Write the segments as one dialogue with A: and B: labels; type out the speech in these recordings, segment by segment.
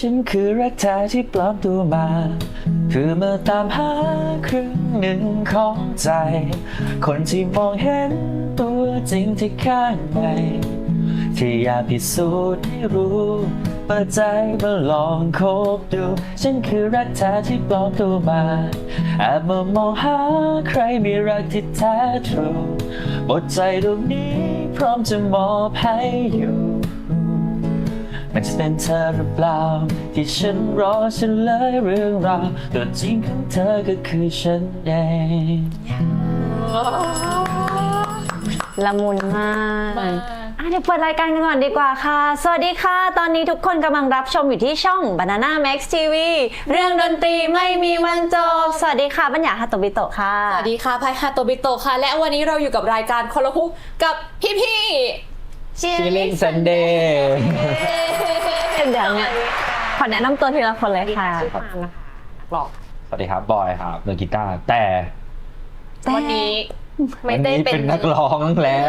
A: ฉันคือรักแท้ที่ปลอมตัวมาเพื่อมาตามหาครึ่งหนึ่งของใจคนที่มองเห็นตัวจริงที่ข้างในที่อยากพิสูจน์ให้รู้เปิดใจมาลองคบดูฉันคือรักแท้ที่ปลอมตัวมาแอบมามองหาใครมีรักที่แท้ทรูหมดใจดวงนี้พร้อมจะมอบให้อยู่มันจะเป็นเธอหรือเปล่าที่ฉันรอเฉลยเรื่องราวตัวจริงของเธอก็คือฉันเอง
B: ละมุนมากเดี๋ยวเปิดรายการกันก่อนดีกว่าค่ะสวัสดีค่ะตอนนี้ทุกคนกำลังรับชมอยู่ที่ช่อง Banana Max TV เรื่องดนตรีไม่มีวันจบสวัสดีค่ะบัญญาฮาโตบิโตะค่ะ
C: สวัสดีค่ะพายฮาโตบิโตะค่ะและวันนี้เราอยู่กับรายการคนละคุกกับพี่
A: Chilling Sunday
B: เดี๋ยวเนี่ยขอแนะนำตัวทีละคนเลยค่ะ
C: ชื่อปาล์มนะคะหลอก
A: สวัสดีครับบอยครับมือกีตาร์แต่
C: วันนี้ไม่
A: วัน
C: ได้
A: นี้
C: เป็
A: เป็น นนักร้องแล้ว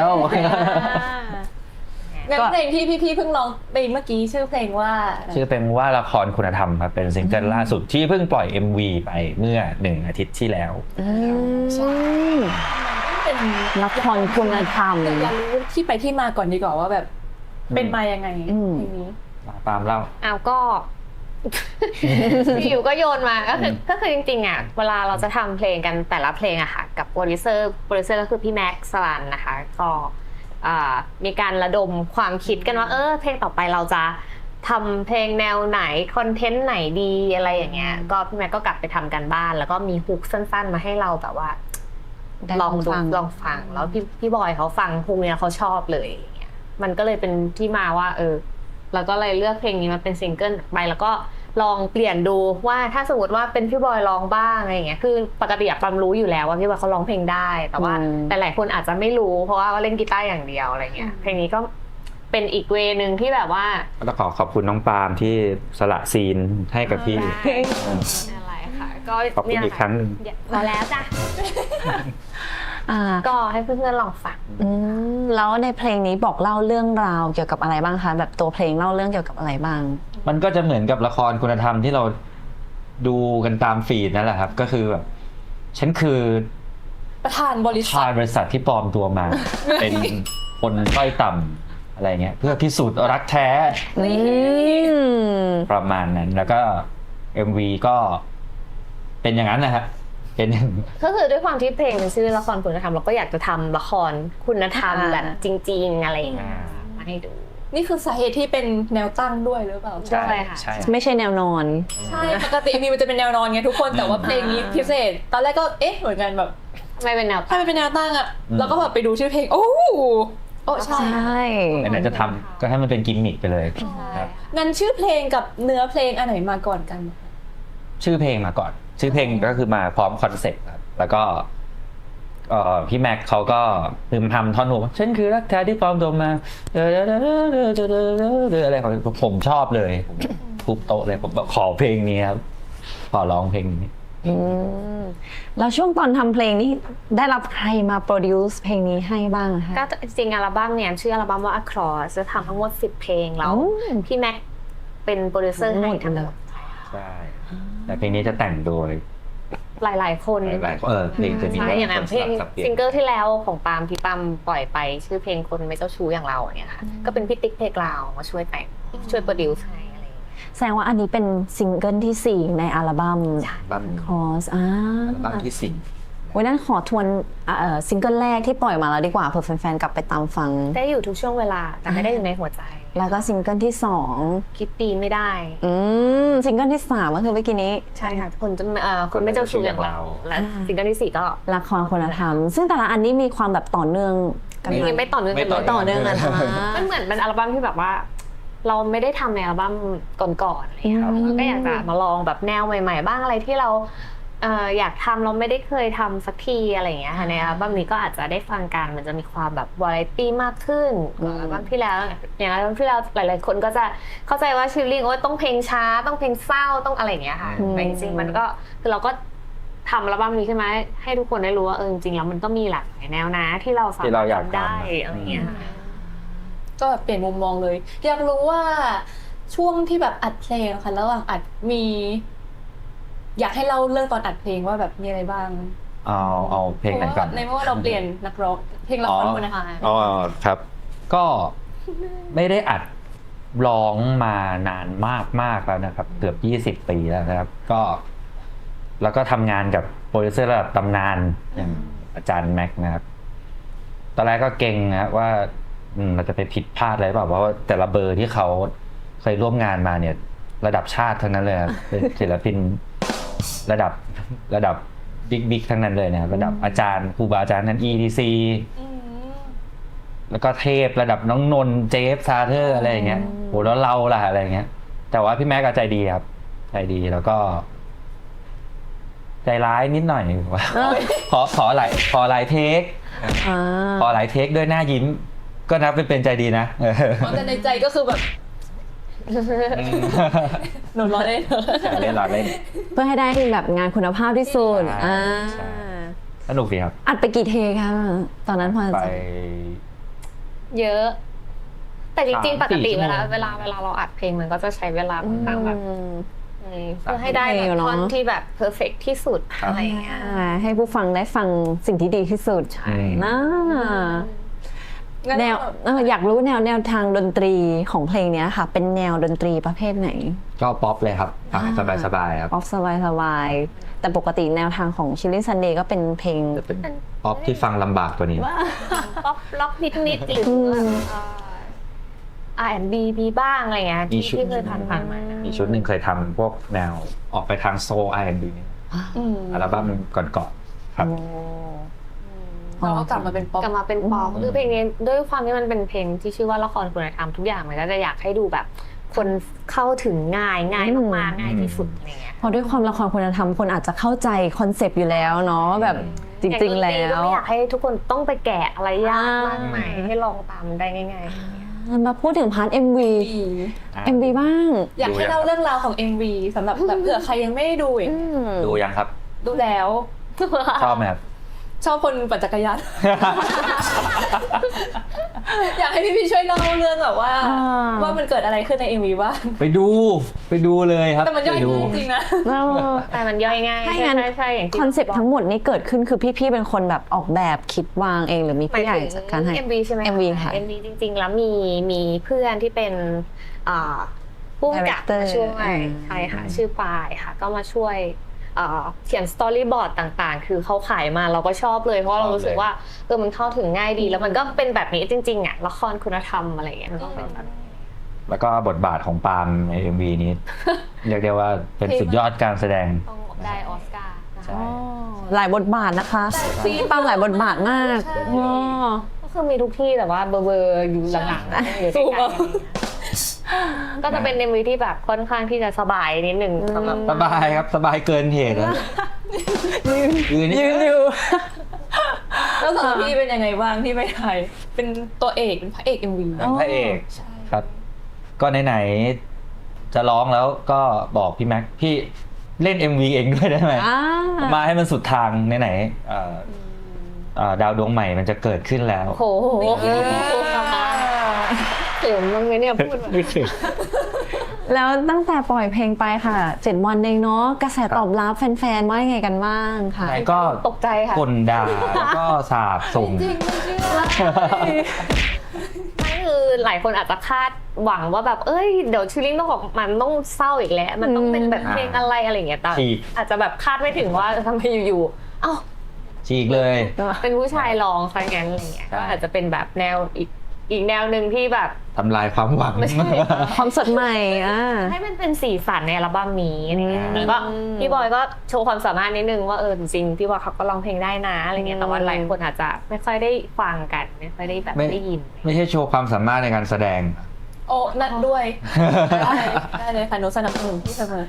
C: งั้นเพลงที่พี่เพิ่งร้องไปเมื่อกี้ชื่อเพลงว่า
A: ชื่อเป็นว่าละครคุณธรรมครับเป็นซิงเกิลล่าสุดที่เพิ่งปล่อย MV ไปเมื่อ1 อาทิตย์ที่แล้ว
C: ใช่เป็น
B: ละครคุณธรรม
C: อยากรู้ที่ไปที่มาก่อนดีกว่าว่าแบบเป็นมายังไงเพลงนี้
A: ตามเล่า
D: เอาก็ อยู่ก็โยนมาก็คือจริงๆอ่ะเวลาเราจะทำเพลงกันแต่ละเพลงอะค่ะกับโปรดิวเซอร์ก็คือพี่แม็กซ์สลันนะคะก็มีการระดมความคิดกันว่าเพลงต่อไปเราจะทำเพลงแนวไหนคอนเทนต์ไหนดีอะไรอย่างเงี้ยก็พี่แม็กก็กลับไปทำกันบ้านแล้วก็มีฮุกสั้นๆมาให้เราแบบว่าลองดูลองฟังแล้วพี่บอยเขาฟังฮุกเนี้ยเขาชอบเลยอย่างเงี้ยมันก็เลยเป็นที่มาว่าเราก็เลยเลือกเพลงนี้มาเป็นซิงเกิลไปแล้วก็ลองเปลี่ยนดูว่าถ้าสมมติว่าเป็นพี่บอยร้องบ้างอะไรอย่างเงี้ยคือปกติปั๊มรู้อยู่แล้วว่าพี่บอยเขาร้องเพลงได้แต่ว่าแต่หลายคนอาจจะไม่รู้เพราะว่าเล่นกีตาร์อย่างเดียวอะไรเงี้ยเพลงนี้ก็เป็นอีกเวนึงที่แบบว่า
A: ต้องขอบคุณน้องปาล์มที่สละซีนให้กับพี่
D: อะไรค่ะก็
A: ขอบคุณอีกครั้งหนึ่ง
D: พอแล้วจ้ะก็ให้เพื่อนๆลองฟัง
B: แล้วในเพลงนี้บอกเล่าเรื่องราวเกี่ยวกับอะไรบ้างคะแบบตัวเพลงเล่าเรื่องเกี่ยวกับอะไรบ้าง
A: มันก็จะเหมือนกับละครคุณธรรมที่เราดูกันตามฟีดนั่นแหละครับก็คือแบบฉันคือ
C: ประธานบริษั
A: ชาย
C: ท
A: บริษัทที่ปลอมตัวมา เป็นคนด้อยต่ำอะไรเงี้ยเพื่อพิสูจน์รักแท้ประมาณนั้นแล้วก็ MV ก็เป็นอย่างนั้นนะครับเป็น
D: ก็คือด้วยความที่เพลงมันชื่อละครคุณธรรมเราก็อยากจะทำละครคุณธรรมแบบจริงๆอะไรอย่างเงี้ยมาให้ดู
C: นี่คือสาเหตุที่เป็นแนวตั้งด้วยหรือเปล่า
D: ใช่ค่ะ
B: ไม่ใช่แนวนอน
C: ใช่ปกติมีมันจะเป็นแนวนอนไงทุกคนแต่ว่าเพลงนี้พิเศษตอนแรกก็เหมือนกันแบบ
D: ไม่เป็นแนว
C: ถ้ามันเป็นแนวตั้งอะแล้วก็แบบไปดูชื่อเพลงโอ้ใช่
A: ไหนๆจะทำก็ให้มันเป็นกิมมิคไปเลยครับ
C: งั้นชื่อเพลงกับเนื้อเพลงอันไหนมาก่อนกัน
A: ชื่อเพลงมาก่อนชื่อเพลงก็คือมาพร้อมคอนเซ็ปต์ครับแล้วก็พี่แม็กเขาก็พึมพำท่อนฮุกฉันคือรักแท้ที่ปลอมตัวมาอะไรของผมชอบเลยทุบโต๊ะเลยผมบอกขอเพลงนี้ครับขอร้องเพลงนี้
B: แล้วช่วงตอนทำเพลงนี้ได้รับใครมาโปรดิวซ์เพลงนี้ให้บ้างคะ
D: ก็จริงอัลบั้มเนี่ยชื่ออัลบั้มว่า Across จะทำทั้งหมด10 เพลงแล้วพี่แม็กเป็นโปรดิวเซอร์ให้ทั้งหมด
A: ใช่แต่เพลงนี้จะแต่งโดย
D: หลายๆคน
A: หลายเพลงจะมี
D: ใช่อย่างเพลง
A: สับเปลี่ยน
D: ซิงเกิลที่แล้วของปาล์มที่ปาล์มปล่อยไปชื่อเพลงคนไม่เจ้าชู้อย่างเราเนี่ยค่ะก็เป็นพี่ติ๊กเพลงเรามาช่วยแต่งช่วยโปรดิวซ์ให้อะไรอย่างเงี้ย
B: แสดงว่าอันนี้เป็นซิงเกิลที่4ในอัลบั้ม
A: บ้าน
B: Cross
A: บ้านที่สี่
B: วันนั้นขอทวนซิงเกิลแรกที่ปล่อยมาแล้วดีกว่าเผื่อแฟนๆกลับไปตามฟัง
D: ได้อยู่ทุกช่วงเวลาแต่ไม่ได้อยู่ในหัวใจ
B: แล้วก็ซิงเกิลที่2
D: คิดดีไม่ได้
B: ซิงเกิลที่3ก็คือเมื่อกี้นี้
D: ใช่ค่ะคนจะคนไม่เจ้าชู้อย่างเราและซิงเกิลที่4ก็
B: ละครคุณธรรมซึ่งแต่ละอันนี้มีความแบบต่อเนื่องกัน
D: จริงๆไม่ต่อเนื่องกันเลย
B: ต่อเนื่องกัน
D: มันเหมือนเป็นอัลบั้มที่แบบว่า เราไม่ได้ทำในอัลบั้มก่อนๆอะไรอย่างเงี้ยเราก็อยากจะมาลองแบบแนวใหม่ๆบ้างอะไรที่เราอยากทำเราไม่ได้เคยทำสักทีอะไรอย่างเงี้ยค่ะในอัลบั้มนี้ก็อาจจะได้ฟังกันมันจะมีความแบบวาไรตี้มากขึ้นกว่าอัลบั้มที่แล้วอย่างอัลบั้มที่แล้วหลายๆคนก็จะเข้าใจว่าชิลลิ่งต้องเพลงช้าต้องเพลงเศร้าต้องอะไรอย่างเงี้ยค่ะแต่จริงๆมันก็คือเราก็ทำอัลบั้มนี้ใช่ไหมให้ทุกคนได้รู้ว่าจริงๆแล้วมันก็มีหลากหลายแนวนะที่เราสามารถทำได้อะไรอย่างเงี้ย
C: ก็แบบเปลี่ยนมุมมองเลยอยากรู้ว่าช่วงที่แบบอัดเพลงอะค่ะระหว่างอัดมี อยากให้เล่าเรื่องตอนอัดเพลงว่าแบบมีอะไรบ้าง
A: เอาเพลงไหนก่อน
C: ในเมื่อว่าเราเปลี่ยนนักร้องเพลงละครคุณนะคะ
A: อ๋อครับ ก็ไม่ได้อัดร้องมานานมากแล้วนะครับ เกือบ20 ปีแล้วนะครับ แล้วก็ทำงานกับโปรดิวเซอร์ระดับตำนานอย่างอาจารย์แม็กซ์นะครับ ตอนแรกก็เก่งนะครับว่าเราจะไปผิดพลาดอะไรเปล่าเพราะว่าแต่ละเบอร์ที่เขาเคยร่วมงานมาเนี่ยระดับชาติทั้งนั้นเลยครับ เป็นศิลปินระดับบิ๊กทั้งนั้นเลยนะครับระดับอาจารย์ครูบาอาจารย์นั้น ETC แล้วก็เทพระดับน้องนนท์เจฟซาเธอร์อะไรอย่างเงี้ยโหแล้วเราล่ะอะไรอย่างเงี้ยแต่ว่าพี่แม็กก็ใจดีครับใจดีแล้วก็ใจร้ายนิดหน่อยว่าขอหลายเทคขอหลายเทคด้วยหน้ายิ้มก็นับเป็นใจดีนะ
C: แต่ในใจก็คือแบบหนูรอเล่น
A: เล่น
B: เพื่อให้ได้แบบงานคุณภาพที่สุด
A: ใช่สนุกดีครับ
B: อัดไปกี่เทคะตอนนั้นพอจะ
A: ไป
D: เยอะ แต่จริงๆปกติ
A: 3-4
D: เวลาเราอัดเพลงมันก็จะใช้เวลาค่อนข้างแบบเพื่อให้ได้แบบท่อนที่แบบเพอร์เฟกต์ที่สุดอะไรอย่างเงี้ย
B: ให้ผู้ฟังได้ฟังสิ่งที่ดีที่สุดนะแนวอยากรู้แนวทางดนตรีของเพลงนี้ค่ะเป็นแนวดนตรีประเภทไหน
A: ก็ป๊อปเลยครับสบายครับ
B: ป๊อปสบายแต่ปกติแนวทางของ Chilling Sunday ก็เป็นเพลง
A: เป็นป๊อปที่ฟังลำบากกว่านี้
D: ป๊อปล็อกนิดๆหรือR&B มีบ้างอะไรเงี้ยที่เคยผ่านมา
A: มีชุดหนึ่งเคยทำพวกแนวออกไปทางโซล R&B นี่อัลบั้มก่อนครับ
C: เราก็กลับมาเป็นป๊อป
D: คือเพลงนี้ด้วยความที่มันเป็นเพลงที่ชื่อว่าละครคุณธรรมทุกอย่างมันก็จะอยากให้ดูแบบคนเข้าถึงง่ายมากๆง่ายที่สุดอะไรเงี้ย
B: พอด้วยความละครคุณธรรมคนอาจจะเข้าใจคอนเซปต์อยู่แล้วเนาะแบบจริงๆแล้ว
D: ไม่อยากให้ทุกคนต้องไปแกะอะไรยากมากมายให้ลองตามได้ง่ายๆ
B: มาพูดถึงพาร์ท MV บ้าง
C: อยากให้เล่าเรื่องราวของ MV สำหรับแบบเผื่อใครยังไม่ได้ดูอีก
A: ดูยังครับ
C: ดูแล้ว
A: ชอบไหมครับ
C: ชอบคนปั่นจักรยาน อยากให้พี่ช่วยเล่าเรื่องแบบว่ามันเกิดอะไรขึ้นใน MV บ้าง
A: ไปดูเลยครับ
C: แต่มันย่อยจริงๆนะ
D: แต่มันย่อยง่ายใช่อย่าง
B: คอนเซ็ปต์ทั้งหมดนี้เกิดขึ้นคือพี่ๆเป็นคนแบบออกแบบคิดวางเองหรือมีผู้ใหญ่จัดการให้
D: MV ใช่ไหม
B: MV ค่ะ
D: MV จริงๆแล้วมีเพื่อนที่เป็นผู้กำกับมาช่วยใช่ค่ะชื่อปายค่ะก็มาช่วยเขียนสตอรี่บอร์ดต่างๆคือเขาขายมาเราก็ชอบเลยเพราะเรารู้สึกว่ามันเข้าถึงง่ายดีแล้วมันก็เป็นแบบนี้จริงๆอ่ะละครคุณธรรมอะไรอย่างเงี้ยมันก็เป็นแบบ
A: แล้วก็บทบาทของปาล์มใน MV นี้เรียกได้ว่าเป็นสุดยอดการแสดง
D: ต้องได้ออสการ์
B: หลายบทบาทนะคะพี่ปาล์มหลายบทบาทมาก
D: ก็คือมีทุกที่แต่ว่าเบอร์อยู่หลังๆนะอยู่ใกล้ๆก็จะเป็น MV ที่แบบค่อนข้างที่จะสบายนิดนึง
A: สบายครับสบายเกินเหตุแล้วยืน
B: อยู่
C: แล้วสองพี่เป็นยังไงบ้างที่ไปถ่ายเป็นตัวเอกเป็นพระเอก MV
A: พระเอกครับก็ไหนๆจะร้องแล้วก็บอกพี่แม็กพี่เล่น MV เองด้วยได้ไหมมาให้มันสุดทางไหนๆดาวดวงใหม่มันจะเกิดขึ้นแล้ว
D: โอ้โหเดี๋ยวมึงเนี่ยพูด
A: ไม่ถึง
B: แล้วตั้งแต่ปล่อยเพลงไปค่ะ7 วันเองเนาะกระแสตอบรับแฟนๆว่ายังไงกันบ้างค่ะ
A: ก็
D: ตกใจค่ะ
A: คนด่าแล้วก็สาบส่ง
C: จริง
D: ไม่คือหลายคนอาจจะคาดหวังว่าแบบเดี๋ยวชิลลิ่งต้องออกมันต้องเศร้าอีกแล้วมันต้องเป็นแบบเพลงอะไรอย่างเงี้ยแต่อาจจะแบบคาดไม่ถึงว่าทำไมอยู่ๆ
A: ฉีกเลย
D: เป็นผู้ชายร้องซะงั้นอะไรเงี้ยก็อาจจะเป็นแบบแนวอีกแนวหนึ่งที่แบบ
A: ทำลายความหวัง
B: ความสดใหม่
D: ให้มันเป็นสีสันในอัลบั้มนี้นี่ก็พี่บอยก็โชว์ความสามารถนิดนึงว่าจริงพี่บอยเขาก็ร้องเพลงได้นะอะไรเงี้ยแต่ว่าหลายคนอาจจะไม่ค่อยได้ฟังกันไม่ค่อยได้แบบได้ยิน
A: ไม่ใช่โชว์ความสามารถในการแสดง
C: โอ้นั่นด้วยได้เลยค่ะหนูสนับสนุนพี่เสมอ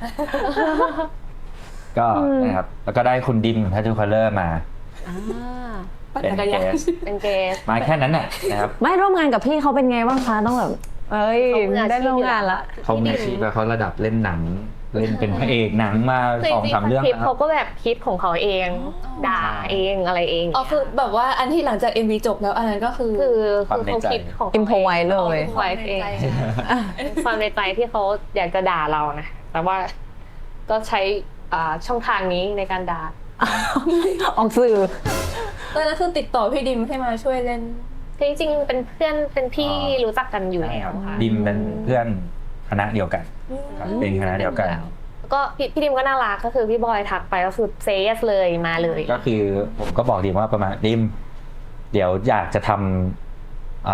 A: ก็นะครับแล้วก็ได้คุณดิมทัชชูคัลเลอร์มา
C: เป็น
D: เกส
A: มาแค่นั้นน่ะนะครับ
B: ไม่ร่วมงานกับพี่เขาเป็นไงบ้างคะต้องแบบได้ร่วมงานละ
A: เขามีชีพเขาระดับเล่นหนังเล่นเป็นพระเอกหนังมา
D: คือจริง
A: 2-3 เรื่อง
D: ๆคลิป
A: แล้ว
D: เขาก็แบบคิดของเขาเอง ด่าเองอะไรเอง
C: อ๋อคือแบบว่าอันที่หลังจาก MV จบแล้วอันนั้นก็คือ
D: คือเขาคิดของ
B: อิมพอไว้เลย
D: ไว้เองความในใจที่เขาอยากจะด่าเรานะแต่ว่าก็ใช้ช่องทางนี้ในการด่า
B: ออกสื่อ
C: ตอนนั้นคือติดต่อพี่ดิมให้มาช่วยเล่น
D: จริงๆเป็นเพื่อนเป็นพี่รู้จักกันอยู่แล้วค่ะ
A: ดิมเป็นเพื่อนคณะเดียวกันครับเป็นคณะเดียวกัน
D: แล้วก็พี่ดิมก็น่ารักก็คือพี่บอยทักไปก็คือเซสเลยมาเลย
A: ก็คือผมก็บอกดิมว่าประมาณดิมเดี๋ยวอยากจะทำ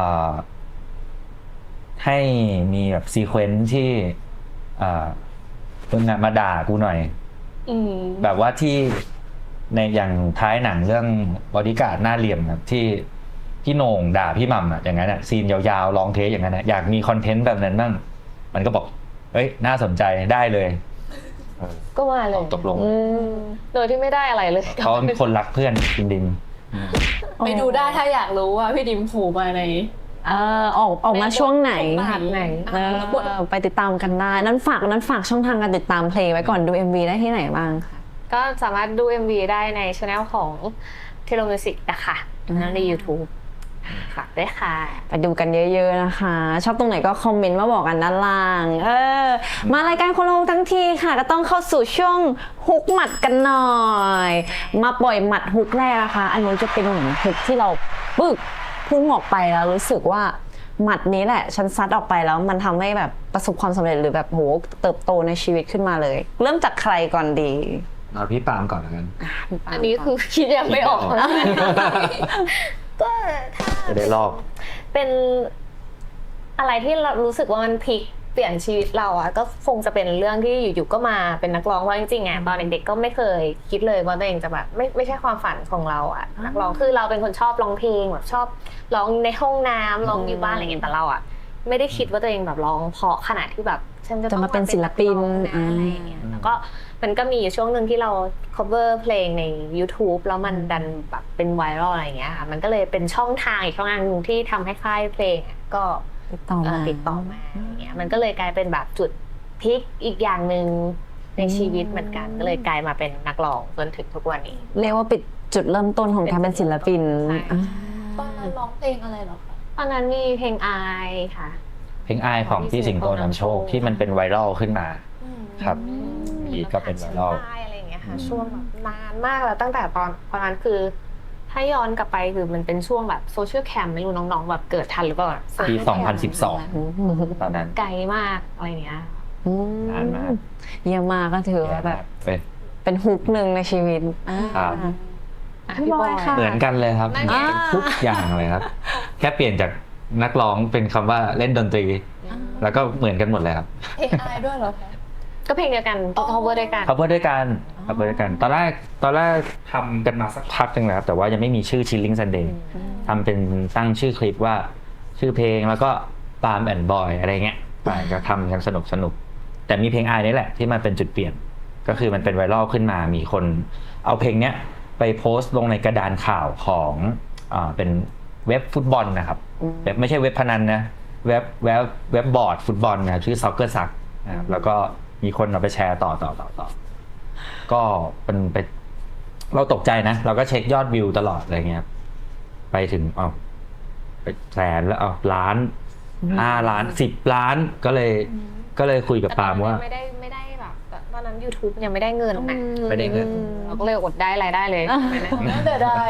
A: ให้มีแบบซีเควนซ์ที่มึงมาด่ากูหน่อย แบบว่าที่ในอย่างท้ายหนังเรื่องบอดี้การ์ดหน้าเหลี่ยมครับที่พี่โหน่งด่าพี่หม่ำอะอย่างนั้นอะซีนยาวๆลองเทสอย่างนั้นอะอยากมีคอนเทนต์แบบนั้นบ้างมันก็บอกเอ้ยน่าสนใจได้เลย
D: ก็มาเลย
A: ตกลง
D: โดยที่ไม่ได้อะไรเลย
A: เขาเป็นคนรักเพื่อนจริง
C: ไปดูได้ถ้าอยากรู้ว่าพี่ดิมโผล่มาใน
B: ออกมาช่วงไหน
D: ไหน
B: ไปติดตามกันได้นั้นฝากช่องทางการติดตามเพลงไว้ก่อนดู MV ได้ที่ไหนบ้างคะ
D: ก็สามารถดู MV ได้ในช่องของเทโลมิวสิกนะคะใน YouTube ฝากด้วยค่ะ
B: ไปดูกันเยอะๆนะคะ ชอบตรงไหนก็คอมเมนต์มาบอกกันด้านล่างมารายการคนละฮุกทั้งทีค่ะก็ต้องเข้าสู่ช่วงฮุกหมัดกันหน่อย มาปล่อยหมัดฮุกแรกนะคะอันนี้จะเป็นเหมือนฮุกที่เราปึ๊กพุ่งออกไปแล้วรู้สึกว่าหมัดนี้แหละฉันซัดออกไปแล้วมันทำให้แบบประสบความสำเร็จหรือแบบโหเติบโตในชีวิตขึ้นมาเลย เริ่มจากใครก่อนดี
A: ๆเอาพี่ปาล์มก่อนแล้วกัน
D: อันนี้คือคิดยังไม่ออกนะก็ถ้า
A: จะได้ลอก
D: เป็นอะไรที่เรารู้สึกว่ามันพลิกเปลี่ยนชีวิตเราอะก็คงจะเป็นเรื่องที่อยู่ๆก็มาเป็นนักร้องเพราะจริงๆอะตอนเด็กๆก็ไม่เคยคิดเลยว่าตัวเองจะแบบไม่ใช่ความฝันของเราอะนักร้องคือเราเป็นคนชอบร้องเพลงแบบชอบร้องในห้องน้ำร้องอยู่บ้านอะไรอย่างเงี้ยแต่เราอะไม่ได้คิดว่าตัวเองแบบร้องเพราะขนาดที่แบบฉันจะต้อง
B: จะมาเป็นศิลปิน
D: อะไรอย่างเงี้ยแล้วก็มันก็มีอยู่ช่วงหนึ่งที่เรา cover เพลงใน YouTube แล้วมันดันแบบเป็นไวรัลอะไรอย่างเงี้ยค่ะมันก็เลยเป็นช่องทางอีกช่องทางนึงที่ทำให้ค่ายเพลงก็
B: ติดต่อมา
D: ติดต่อมาอย่างเงี้ยมันก็เลยกลายเป็นแบบจุดพลิกอีกอย่างหนึ่งในชีวิตเหมือนกันก็เลยกลายมาเป็นนักร้องจนถึงทุกวันนี้
B: เรียกว่าปิดจุดเริ่มต้นของการเป็นศิลปิน
D: ใช่
C: ตอนนั้นร้องเพลงอะไรเหรอคะ
D: ตอนนั้นมีเพลงอายค่ะ
A: เพลงอายของพี่สิงโตนำโชคที่มันเป็นไวรัลขึ้นมาครับอีกก็เป็นไวรัล
D: ใช่อะไรอย่างเงี้ยค่ะช่วงแบบนานมากแล้วตั้งแต่ตอนนั้นคือถ้าย้อนกลับไปคือมันเป็นช่วงแบบโซเชียลแคมไม่รู้น้องๆแบบเกิดทันหรือเปล่า
A: ปี 2012 ตอนนั้น
D: ไกลมากอะไรเงี้ย
A: นานมาก
B: เยี่ยมมากก็ถือว่าแบบ เป็นฮุกหนึ่งในชีวิต
A: ครับ
B: พี่บอยค่ะ
A: เหมือนกันเลยครับ
D: นั่นไง
A: ทุกอย่างเลยครับ แค่เปลี่ยนจากนักร้องเป็นคำว่าเล่นดนตรี แล้วก็เหมือนกันหมดเลยครับ
C: เพลงอายด้วยเหรอคะ
D: ก็เพลงเดียวกัน cover ด้วยกัน
A: cover ด้วยกันตอนแรกทำกันมาสักพักหนึงแล้วครับแต่ว่ายังไม่มีชื่อ Chilling Sunday ทำเป็นตั้งชื่อคลิปว่าชื่อเพลงแล้วก็ปาล์มแอนด์บอยอะไรเงี้ยก็ทำกันสนุกแต่มีเพลงอายนี่แหละที่มันเป็นจุดเปลี่ยนก็คือมันเป็นไวรัลขึ้นมามีคนเอาเพลงเนี้ยไปโพสต์ลงในกระดานข่าวของเป็นเว็บฟุตบอลนะครับเว็บไม่ใช่เว็บพนันนะเว็บบอร์ดฟุตบอลนะครับชื่อ Soccer Suck นะครับแล้วก็มีคนเอาไปแชร์ต่อก็เป็นไปเราตกใจนะเราก็เช็คยอดวิวตลอดอะไรเงี้ยไปถึงไปแสนแล้วล้าน5 ล้าน10 ล้านก็เลยคุยกับปาล์มว่า
D: ไม่ได้แบบตอนนั้น YouTube ยังไม่ได้เงินนะ
A: ไม่ได้เงิน
D: เราก็เลยอดได้รายได้เลย
C: น่าจะได้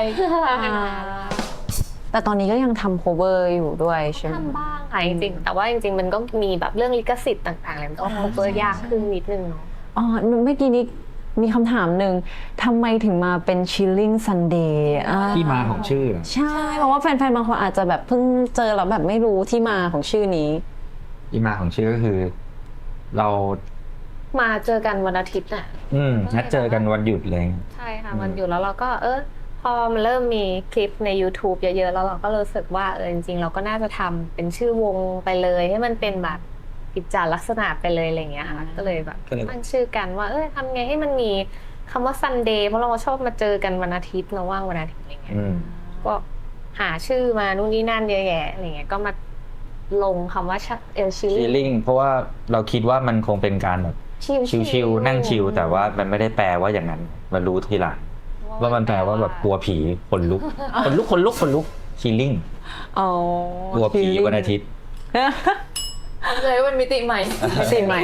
B: แต่ตอนนี้ก็ยังทำ cover อยู่ด้วยใช่ไหม
D: ทำบ้างค่ะจริงๆแต่ว่าจริงๆมันก็มีแบบเรื่องลิขสิทธิ์ต่างๆอะไรมันก็ cover ยากขึ้นนิดนึงเนาะ
B: อ๋อเมื่อกี้นี้มีคำถามหนึ่งทำไมถึงมาเป็น Chilling Sunday
A: ที่มาของชื่อ
B: ใช่เพราะว่าแฟนๆบางคนอาจจะแบบเพิ่งเจอแล้วแบบไม่รู้ที่มาของชื่อนี้
A: ที่มาของชื่อก็คือ เรา
D: มาเจอกันวันอาทิตย์น่ะ
A: นัดเจอกันวันหยุดเลย
D: ใช่ค่ะวันหยุดแล้วเราก็พอมันเริ่มมีคลิปใน YouTube เยอะๆแล้วเราก็รู้สึกว่าจริงๆเราก็น่าจะทำเป็นชื่อวงไปเลยให้มันเป็นแบบกิจจลักษณะไปเลยอะไรอย่างเงี้ยค่ะก็เลยแบบตั้งชื่อกันว่าทำไงให้มันมีคำว่า Sunday เพราะเราชอบมาเจอกันวันอาทิตย์เราว่างวันอาทิตย์อะไรเงี้ยก็หาชื่อมานู่นนี่นั่นเยอะแยะอะไรเงี้ยก็มาลงคำว่าชิลลิ่ง
A: feeling เพราะว่าเราคิดว่ามันคงเป็นการแบบชิวๆนั่งชิวแต่ว่ามันไม่ได้แปลว่าอย่างนั้นมารู้ทีหลังว่ามันแปลว่าแบบกลัวผีขนลุกชีลิ่ง
B: อ๋อก
A: ลัวผีวันอาทิตย์
C: เลยมันมิติใหม่
B: สิ่งใหม่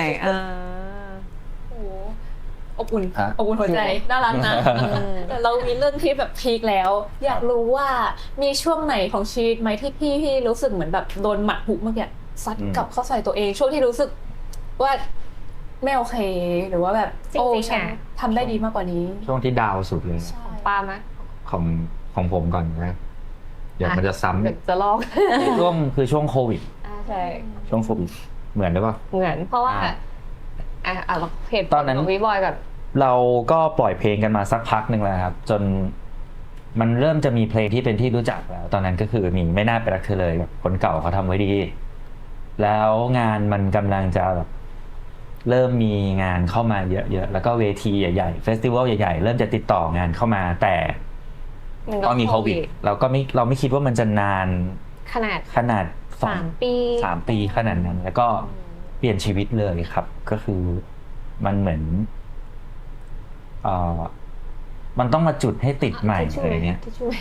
C: โอ้โหอบอุ่น
A: ฮะ
C: อบอุ่นหัวใจน่ารักนะแต่เรามีเรื่องที่แบบพีคแล้ว อยากรู้ว่ามีช่วงไหนของชีวิตไหมที่พี่รู้สึกเหมือนแบบโดนหมัดหุกเมื่อกี้ซัดกลับเข้าใส่ตัวเอง ช่วงที่รู้สึกว่าไม่โอเคหรือว่าแบบ
D: จริงๆ
C: โอ้ฉัน
D: อะ
C: ทำได้ดีมากกว่านี้
A: ช่วงที่ดาวสุดเลย
C: ใช่
D: ป้าไหม
A: ของผมก่อนนะเดี๋ยวมันจะซ้ำ
D: เดี๋ยวจะลอก
A: ช่วงโควิด
D: ใช่
A: ช่วงโควิดเหมือนหรือเปล่า
D: เหมือนเพราะว่า เราเหตุผล
A: ตอนนั้น
D: ของพี่บอยก่อน
A: เราก็ปล่อยเพลงกันมาสักพักหนึ่งแล้วครับ จนมันเริ่มจะมีเพลงที่เป็นที่รู้จักแล้ว ตอนนั้นก็คือมีไม่น่าไปรักเธอเลยแบบคนเก่าเขาทำไว้ดี แล้วงานมันกำลังจะแบบเริ่มมีงานเข้ามาเยอะๆแล้วก็เวทีใหญ่ๆเฟสติวัลใหญ่ๆเริ่มจะติดต่องานเข้ามาแต่ก็มีโควิดเราไม่คิดว่ามันจะนาน
D: ขนาด 3 ปี
A: 3 ปีขนาดนั้น แล้วก็เปลี่ยนชีวิตเลยครับ ก็คือมันเหมือนมันต้องมาจุดให้ติดใหม่อะไรเงี้ย
D: ที่ช่วย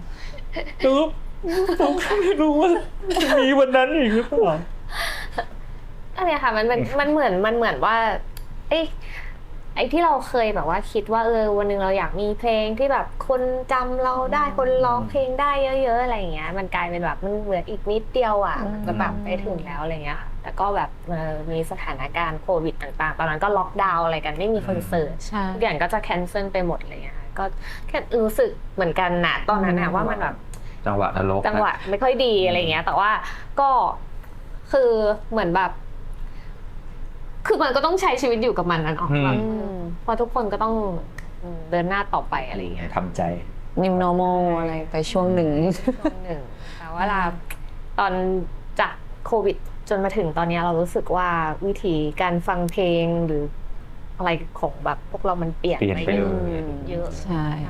A: ผมไม่รู้ว่าจะมีวันนั้นอีกหรือเปล่า
D: อันเนี้ยค่ะมันเหมือนว่าไอ้ที่เราเคยแบบว่าคิดว่าวันหนึ่งเราอยากมีเพลงที่แบบคนจำเราได้คนร้องเพลงได้เยอะๆอะไรอย่างเงี้ยมันกลายเป็นแบบมันเหลืออีกนิดเดียวอ่ะจะแบบไปถึงแล้วอะไรเงี้ยค่ะแต่ก็แบบมีสถานการณ์โควิดต่างๆตอนนั้นก็ล็อกดาวน์อะไรกันไม่มีคอนเสิร์ต
B: ใช่
D: ทุกอย่างก็จะแคนเซิลไปหมดเลยค่ะก็แค่รู้สึกเหมือนกันนะตอนนั้นนะว่ามันแบบ
A: จังหวะนรก
D: จังหวะไม่ค่อยดีอะไรเงี้ย แต่ว่าก็คือเหมือนแบบ คือมันก็ต้องใช้ชีวิตอยู่กับมันนะเนาะแบบเพราะทุกคนก็ต้องเดินหน้าต่อไปอะไรเงี้ย
A: ทำใจ
B: New normal อะไรไปช่วงหนึ่ง
D: ช่วงหนึ่งแต่ว่าตอนจากโควิดจนมาถึงตอนนี้เรารู้สึกว่าวิธีการฟังเพลงหรืออะไรของแบบพวกเรามันเปลี่ยน
A: เปลี่ยนไปเลย
D: เยอะ
B: ใช่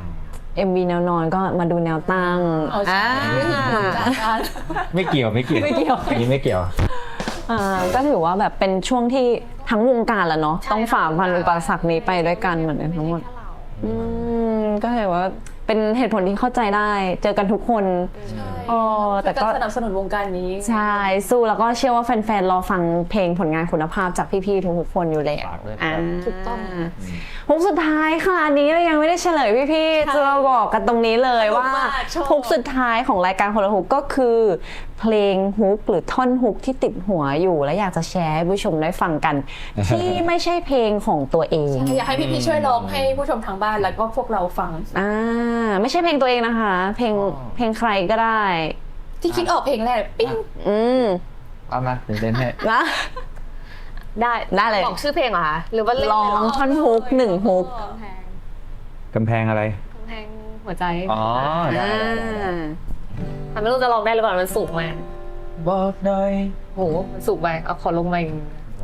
B: MV แนวนอนก็มาดูแนวตั้ง
C: เอาใช่จากการ
A: ไม่เกี่ยวอันนี้ไม่เกี่ยว
B: ก็ถือว่าแบบเป็นช่วงที่ทั้งวงการแหละเนาะต้องฝ่าฟันอุปสรรคนี้ไปด้วยกันเหมือนกันทั้งหมดก็ถือว่าเป็นเหตุผลที่เข้าใจได้เจอกันทุกคนแต่ก็
C: สนับสนุนวงการนี้
B: ใช่สู้แล้วก็เชื่อว่าแฟนๆรอฟังเพลงผลงานคุณภาพจากพี่ๆทุกๆคนอยู่แล้ว
A: ฝากด้วยครับ
C: ถูกต้อง
B: ฮุกสุดท้ายค่ะอันนี้ยังไม่ได้เฉลยพี่ๆจะมาบอกกันตรงนี้เลยว่า
C: ชอบ
B: ฮุกสุดท้ายของรายการคนละฮุกก็คือเพลงฮุกหรือท่อนฮุกที่ติดหัวอยู่และอยากจะแชร์ให้ผู้ชมได้ฟังกัน ที่ไม่ใช่เพลงของตัวเอง
C: อยากให้พี่ๆช่วยร้องให้ผู้ชมทางบ้านแล้วก็พวกเราฟัง
B: ไม่ใช่เพลงตัวเองนะคะ เพลงใครก็ได้
C: ที่คิดออกเพลงแรกปิ้ง
A: เอามาเต้นให้
B: นะ ได้เลย
D: บอกชื่อเพลงเหรอคะหรือว่าเล่น
B: ร้องท่อนฮุก1 ฮุก
A: กำแพงอะไร
D: กำแพงหัวใจ
A: อ๋อได้
D: มันไม่รู้จะร้องได้หรือเปล่ามันสูงมาก
A: บอกหน่อย
D: โหมันสูงไปเอาขอลงมาอีก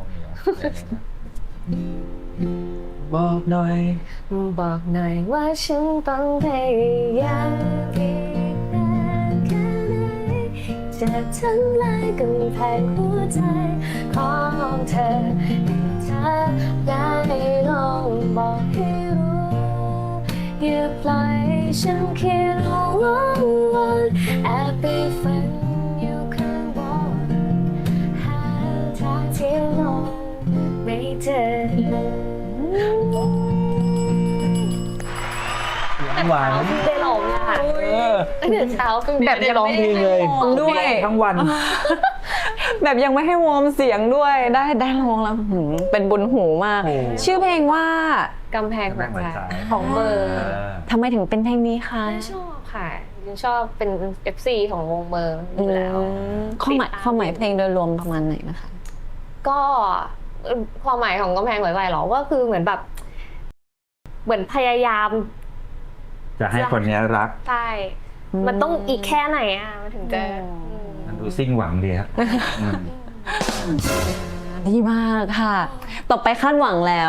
A: บอกหน่อย
D: บอกหน่อยว่าฉันต้องพยายามอีกนานแค่ไหนจะทำลายกำแพงหัวใจของเธอให้เธอได้ลองบอกให้รู้อย่าปล่อยฉันคิดวนแอบไปฝันอยู่ข้างบนหาทางที่ลงไม่เจอ
A: หวาน
D: เพิ่งได้ร้องค่ะตื่นเช้าเพิ่ง
B: แบบยัง
A: ร้องเพลงเลย
B: ด้วย
A: ทั้งวัน
B: แบบยังไม่ให้วอร์มเสียงด้วยได้ร้องแล้วเป็นบุญหูมาก
A: โอ้
B: ชื่อเพลงว่าก
D: ำแพงหัวใจ
B: ของเบอร์ทำไมถึงเป็นเพลงนี้คะ
D: ชอบค่ะยังชอบเป็น FC ของวงเบอร์อยู่แล้ว
B: ความหมายเพลงโดยรวมประมาณไหนนะคะ
D: ก็ความหมายของกำแพงหัวใจหรอก็คือเหมือนแบบเหมือนพยายาม
A: จะให้คนนี้รัก
D: ใช่มันต้องอีกแค่ไหนอ่ะมันถึงจะ
A: มันดูสิ้นหวังดีครับ
B: ดีมากค่ะ ต่อไปคาดหวังแล้ว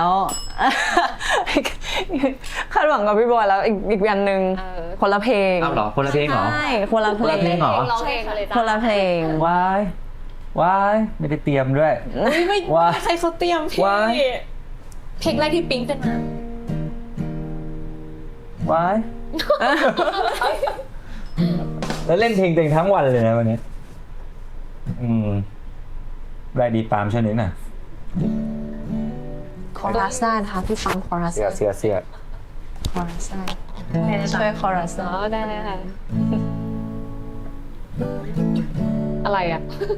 B: คาดหวังกับพี่บอยแล้วอีกอันหนึ่งคนละเพลง
A: เอาเหรอคนละเพลงเหรอ
B: ใช่คนละเพล
A: คนละเพล
B: ง
A: งเหรอ
D: ร้องเองเลยจ้ะ
B: คนละเพลง
A: ว้ายว้ายไม่ได้เตรียมด้วย
C: อุ๊ยไม่
A: ว้า
C: ใครเขาเตรียมพี่
A: ว้าย
C: เพลงแรกที่ปิ๊งขึ้นมา
A: ว้าย แล้วเล่นเพลงตัวเองทั้งวันเลยนะวันนี้ได้ดีปาล์มช่วยนิดหน่อย
B: คอรัสได้นะคะพี่ฟังคอรัส
A: เสีย
B: คอรัสได้ช่วยคอรัส
D: อ๋อได้ค่ะ อะไรอ่ะ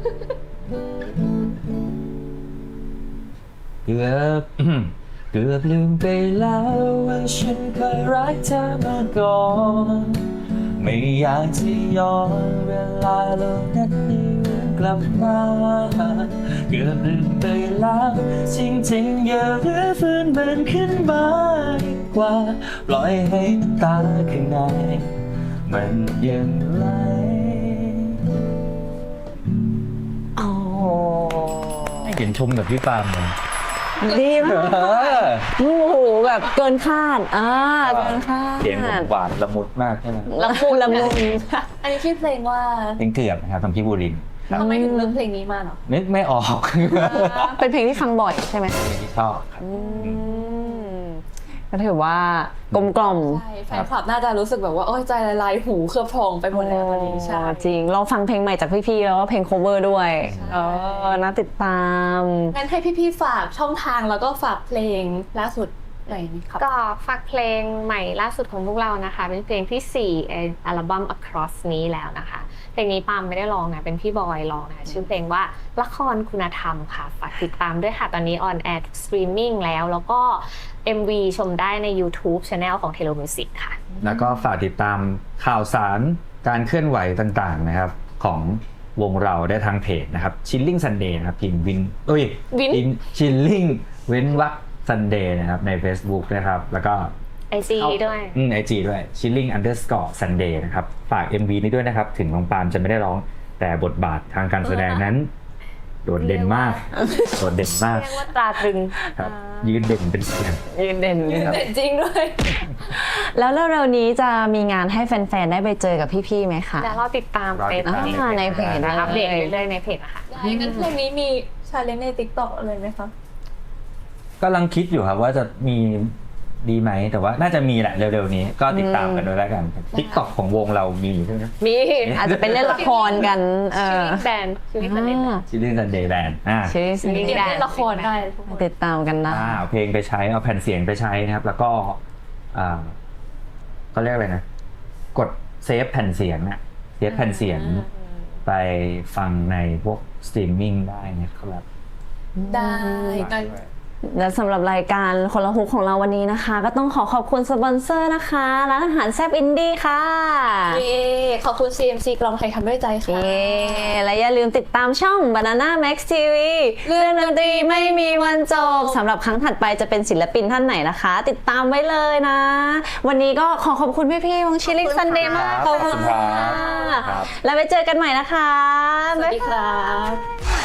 A: เกือบ เกือบลืมไปแล้วว่าฉันเคยรักเธอมาก่อนไม่อยากจะย้อนเวลาเหล่านั้นนี้กลับมาเกือบลืมไปแล้วจริงๆอย่ารื้อฟื้นมันขึ้นมาดีกว่าปล่อยให้น้ำตาข้างในมันยังไหล
B: โอ้
A: ไม่เห็นชมกับพี่ปาล์มเลย
B: ดีมากโอ้โหแบบเกินคาดเกินคาด
A: เสียงผมหวานละมุดมากใช่ไหม
B: ละมุนละมุน
C: อันนี้ชื่อเพลงว่า
A: เพลงเกือบนะครับทำพี่บูรินทร์ครับ
C: ทำไมถึงเลือกเพลงนี้มาเหรอ
A: นึกไม่ออก
B: เป็นเพลงที่ฟังบ่อยใช่ไหม
A: เพลงที่ชอบครับ
B: ก็ถือว่ากลมกล่อม
C: ใช่แฟนคลับน่าจะรู้สึกแบบว่าโอ้ยใจละลายหูเคลือบพองไปหมดแล้ววันนี้ใช่
B: จริงลองฟังเพลงใหม่จากพี่ๆแล้วก็เพลง cover ด้วยน่าติดตาม
C: งั้นให้พี่ๆฝากช่องทางแล้วก็ฝากเพลงล่าสุดหน่อยนะครับ
D: ก็ฝากเพลงใหม่ล่าสุดของพวกเรานะคะ เป็นเพลงที่4อัลบั้ม Across นี้แล้วนะคะเพลงนี้ปาล์มไม่ได้ร้องนะเป็นพี่บอยร้องนะชื่อเพลงว่าละครคุณธรรมค่ะฝากติดตามด้วยค่ะตอนนี้ออนแอร์สตรีมมิ่งแล้วก็ MV ชมได้ใน YouTube Channel ของ Telo Music ค่ะ
A: แล้วก็ฝากติดตามข่าวสารการเคลื่อนไหวต่างๆนะครับของวงเราได้ทางเพจนะครับ Chilling Sunday นะครับพิมพ์วินChilling เว้นวรรค Sunday นะครับใน Facebook นะครับแล้วก็
D: IG ด้วย
A: IG ด้วย chilling_sunday นะครับฝาก MV นี้ด้วยนะครับถึงน้องปาล์มจะไม่ได้ร้องแต่บทบาททางการแสดงนั้นโดดเด่นมากโดดเด่นมาก
D: เรียกว่าตราตรึง
A: ครับยืนเด่นเป็นเสียง
B: ยืนเด่น
C: แต่จริงด้วย
B: แล้วเร็วๆนี้จะมีงานให้แฟนๆได้ไปเจอกับพี่ๆไหมคะ
D: เดี๋ยวเราติดตามเป็น
B: ในเพจ
D: อัปเดตเรื่อยๆในเพจนะคะ
C: งั้นเพลงนี้มีชาเลนจ์ใน TikTok เลยไหมคะ
A: กำลังคิดอยู่ครับว่าจะมีดีไหมแต่ว่าน่าจะมีแหละเร็วๆนี้ก็ติดตามกันด้วยแล้วกัน TikTok ของวงเรามีใช่ไหม
B: มีอาจจะเป็นเล่นละครกัน
D: ชื่อแบรนด์ชื่อแบรนด์
A: Chilling Sunday Band
B: ชื่อ
C: เดี๋ยวเล่นละครได้ทุกคน
B: ติดตามกันนะ
A: เอาเพลงไปใช้เอาแผ่นเสียงไปใช้นะครับ แล้วก็ก็เรียกอะไรนะ กดเซฟแผ่นเสียงนะเซฟแผ่นเสียงไปฟังในพวกสตรีมมิ่งได้นะครับ
C: ได้ได้
B: และสำหรับรายการคนละฮุกของเราวันนี้นะคะ ก็ต้องขอบคุณสปอนเซอร์นะคะร้านอาหารแซ่บอินดี้ค่ะ
C: เย้ขอบคุณ CMC กลองไทยทำด้วยใจค่ะ
B: เย้และอย่าลืมติดตามช่อง Banana Max TV เรื่องดนตรีไม่มีวันจบสำหรับครั้งถัดไปจะเป็นศิลปินท่านไหนนะคะ ติดตามไว้เลยนะ วันนี้ก็ขอบคุณพี่ๆวงชิลลิ่งซันเดย์มาก
A: ขอบคุณครับ
B: แล้วไปเจอกันใหม่นะคะ
C: สวัสดีครับ